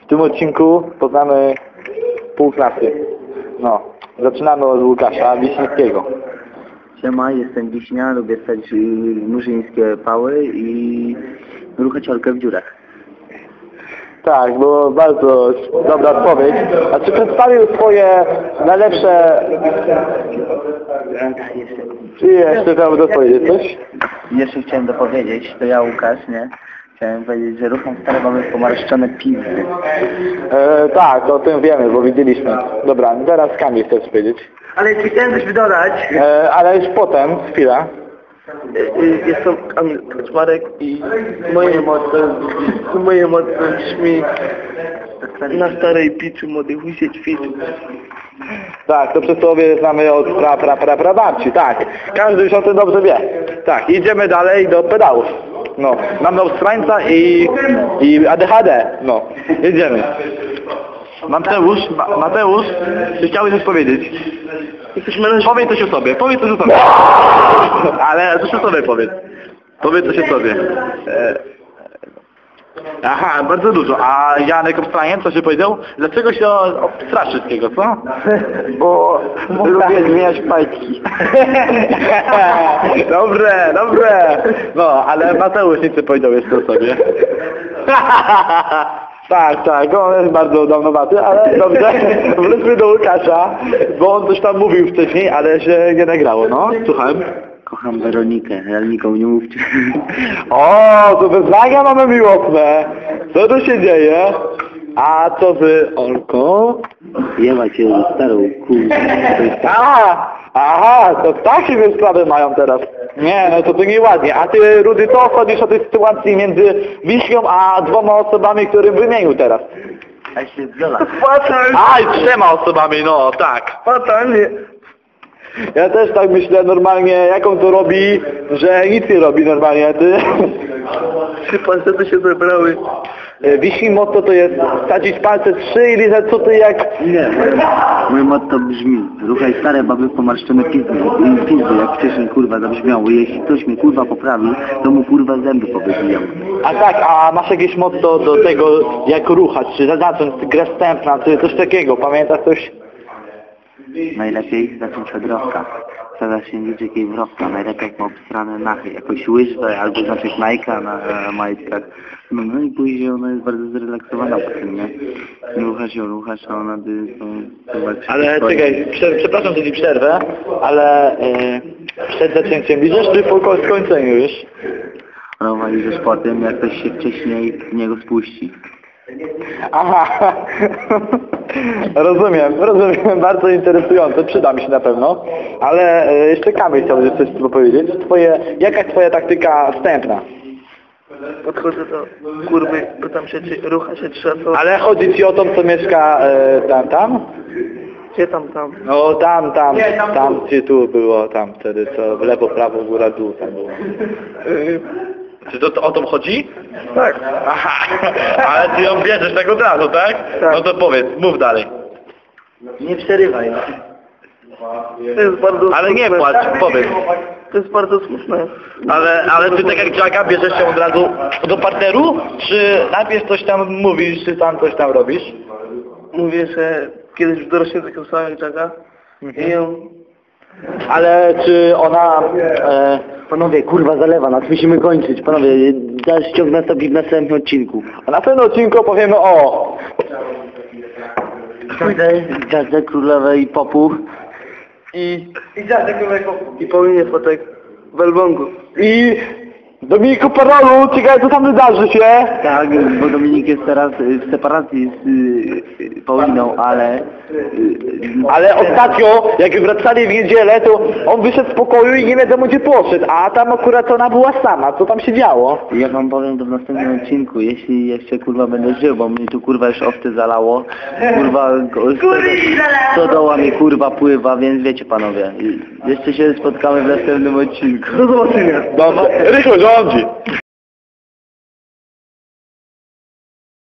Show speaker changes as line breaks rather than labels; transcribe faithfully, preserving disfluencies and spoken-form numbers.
tym odcinku poznamy pół klasy. No, zaczynamy od Łukasza Wiśniewskiego.
Siema, jestem Wiśnia, lubię stać murzyńskie pały i ruchać orkę w dziurach.
Tak, było bardzo dobra odpowiedź. A czy przedstawił swoje najlepsze... Czy jeszcze chciałby dopowiedzieć coś?
Jeszcze chciałem dopowiedzieć, to ja Łukasz, nie? Chciałem powiedzieć, że rucham stare mamy pomarszczone pizdy.
E, tak, o tym wiemy, bo widzieliśmy. Dobra, teraz Kamil chcesz powiedzieć.
Ale czy chciałem coś dodać?
E, ale już potem, chwila.
Jestem Kamil Kaczmarek i moje motto, moje motto brzmi na starej piczu młody husie ćwiczy.
Tak, to przysłowie znamy od pra, pra, pra, pra babci, tak. Każdy już o tym dobrze wie. Tak, idziemy dalej do pedałów. No, mamy Austrańca i, i A D H D. No, jedziemy. Mateusz, Ma, Mateusz, czy chciałbyś coś powiedzieć? Powiedz coś o sobie, powiedz coś o sobie. Ale coś o sobie powiedz. Powiedz coś o sobie. E, Aha, bardzo dużo. A Janek Obstraniec, co się powiedział? Dlaczego się obstrasz wszystkiego, co?
Bo lubię zmieniać fajki.
Dobre, dobre. No, ale Mateusz nic nie powiedział jeszcze o sobie. Tak, tak, on jest bardzo dawnowaty, ale dobrze, wróćmy do Łukasza, bo on coś tam mówił wcześniej, ale się nie nagrało, no, słuchałem.
Kocham Weronikę, ale nikomu nie mówcie.
O, to wyznania mamy miłosne. Co tu się dzieje? A co wy, Olko?
Jeba cię starą kurwę.
Aha, aha, to takie wy sprawy mają teraz. Nie, no to to nieładnie. A ty, Rudy, co chodzisz o tej sytuacji między Wiśnią a dwoma osobami, którym wymienił teraz?
A się zgola.
Aj, trzema osobami, no, tak.
Fatalnie.
Ja też tak myślę normalnie, jaką to robi, że nic nie robi normalnie, ty.
Trzy palce się zebrały.
Wiśni motto to jest wsadzić palce trzy i lizać co ty jak...
Nie, mój motto brzmi: ruchaj stare baby pomarszczone pizdy, pizdy, jak wcześniej kurwa zabrzmiało. Jeśli ktoś mnie kurwa poprawi, to mu kurwa zęby powybijam.
A tak, a masz jakieś motto do tego, jak ruchać, czy zacząć grę wstępna, czy coś takiego, pamiętasz coś?
Najlepiej zacząć od rowka. Wsadza się niczykiej w rowka, najlepiej jak ma obstrane nachy, jakąś łyżwę albo znaczek Nike'a na e, majtkach. No, no i później ona jest bardzo zrelaksowana po tym, nie? Ruchasz ją, ruchasz, a ona by... To, to
Ale czekaj, prze, przepraszam, że ci przerwę, ale yy, przed zaczęciem widzisz, czy po ko- skończeniu już?
Rowa idziesz po tym, jak ktoś się wcześniej w niego spuści.
Aha, rozumiem, rozumiem, bardzo interesujące, przyda mi się na pewno, ale yy, jeszcze Kamil chciałby coś powiedzieć. Twoje, jaka jest twoja taktyka wstępna?
Podchodzę do kurwy, pytam się, czy rucha się trzeba.
Ale chodzi ci o tą, co mieszka yy, tam, tam?
Gdzie tam, tam?
No tam, tam, tam, gdzie tu było, tam wtedy, co w lewo, prawo, góra, dół, tam było.
Yy,
Czy to, to o to chodzi?
tak.
Aha, ale ty ją bierzesz tak od razu, tak?
Tak.
No to powiedz, mów dalej.
Nie przerywaj.
To jest bardzo
Ale nie
smutne.
płacz, powiedz.
To jest bardzo smutne.
Ale, ale ty tak jak Jacka bierzesz się od razu do partneru? Czy najpierw coś tam mówisz, czy tam coś tam robisz?
Mówię, że kiedyś w dorośnie taką samą jak Jacka i ją...
Ale czy ona... E,
Panowie, kurwa zalewa nas, musimy kończyć. Panowie, dalszy ciąg nastąpi w następnym odcinku.
a na pewno odcinku opowiemy o...
Gwiazdę królowej popu.
I...
I Paulinie Fotek w Elblągu.
I... Dominiku Parolu, ciekawe co tam wydarzy się?
Tak, bo Dominik jest teraz w separacji z y, Pauliną, ale... Y,
Ale ostatnio, jak wracali w niedzielę, to on wyszedł z pokoju i nie wiadomo gdzie poszedł, a tam akurat ona była sama, co tam się działo?
ja wam powiem to w następnym odcinku, jeśli jeszcze kurwa będę żył, bo mnie tu kurwa już owce zalało. Kurwa, stodoła mi kurwa pływa, więc wiecie panowie. Jeszcze się spotkamy w następnym odcinku.
Do zobaczenia.
No, no, Rychu rządzi.